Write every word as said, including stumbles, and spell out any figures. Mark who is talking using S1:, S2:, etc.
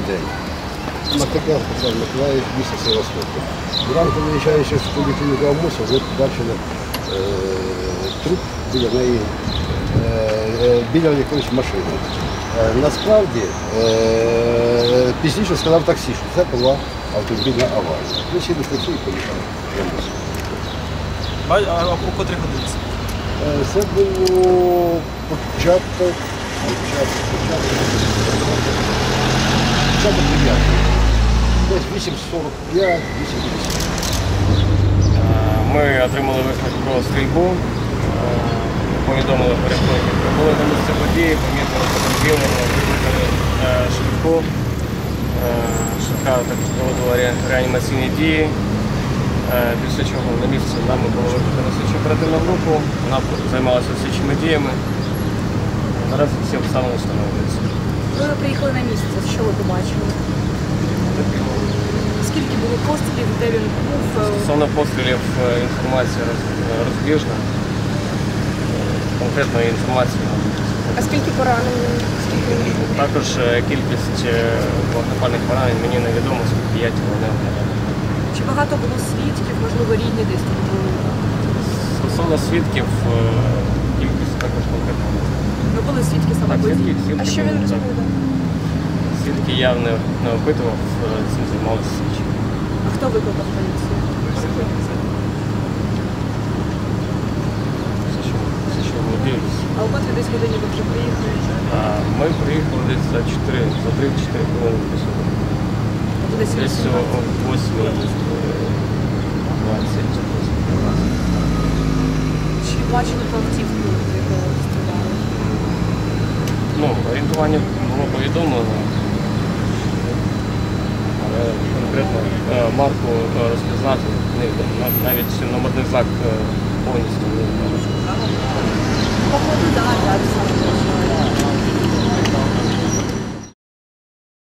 S1: день. Мартакян Олександр Миколаївич, місто Севастополь. Зранку виїжджаючи з поліклініки Амуса, ви бачили е, труп біля неї, е, біля якоїсь машини. Е, насправді, е, пізніше сказав таксі, що це була автомобільна аварія. Ми сіли в таксі і поїхали в Амус.
S2: А у котрій годинці?
S1: Е, це було початок, початок, початок, початок дев'ятої. Десь вісім сорок п'ять, вісім п'ятдесят.
S3: Ми отримали виклик про стрільбу, повідомили перехожих, прибули на місце події, помітили потерпілого, викликали швидку. Швидка також проводила реанімаційні дії, після чого на місці нами було викликано слідчу оперативну групу, вона займалася слідчими діями. Наразі всі обставини встановлюються.
S4: Ви приїхали на місце, що ви побачили? Скільки було пострілів, де він був?
S3: Стосовно пострілів інформація розбіжна. Конкретної інформації.
S4: А скільки поранень? Скільки він був?
S3: Також кількість вогнепальних поранень мені невідомо, скільки я цього не оглядав.
S4: Чи багато було свідків, можливо, рідні десь тут були?
S3: Стосовно свідків, кількість також конкретно.
S4: Ви були свідки саме
S3: Так,
S4: події?
S3: свідки, свідки
S4: А що він
S3: були, так.
S4: розповідав?
S3: Свідки я не, не опитував, цим займалися слідчі.
S4: А хто викликав поліцію?
S3: Все, що, все, що володіюсь.
S4: А у котрій десь годині ви вже приїхали?
S3: А ми приїхали десь за чотири, за три-чотири хвилини до сюди.
S4: Тобто десь
S3: Десь о восьмій двадцять.
S4: Чи бачили про автівку, з якого стріляли?
S3: Ну, орієнтування було повідомлено, але конкретно марку розпізнати невідомо. Навіть номерний знак повністю не можу.
S4: Походу, так, так.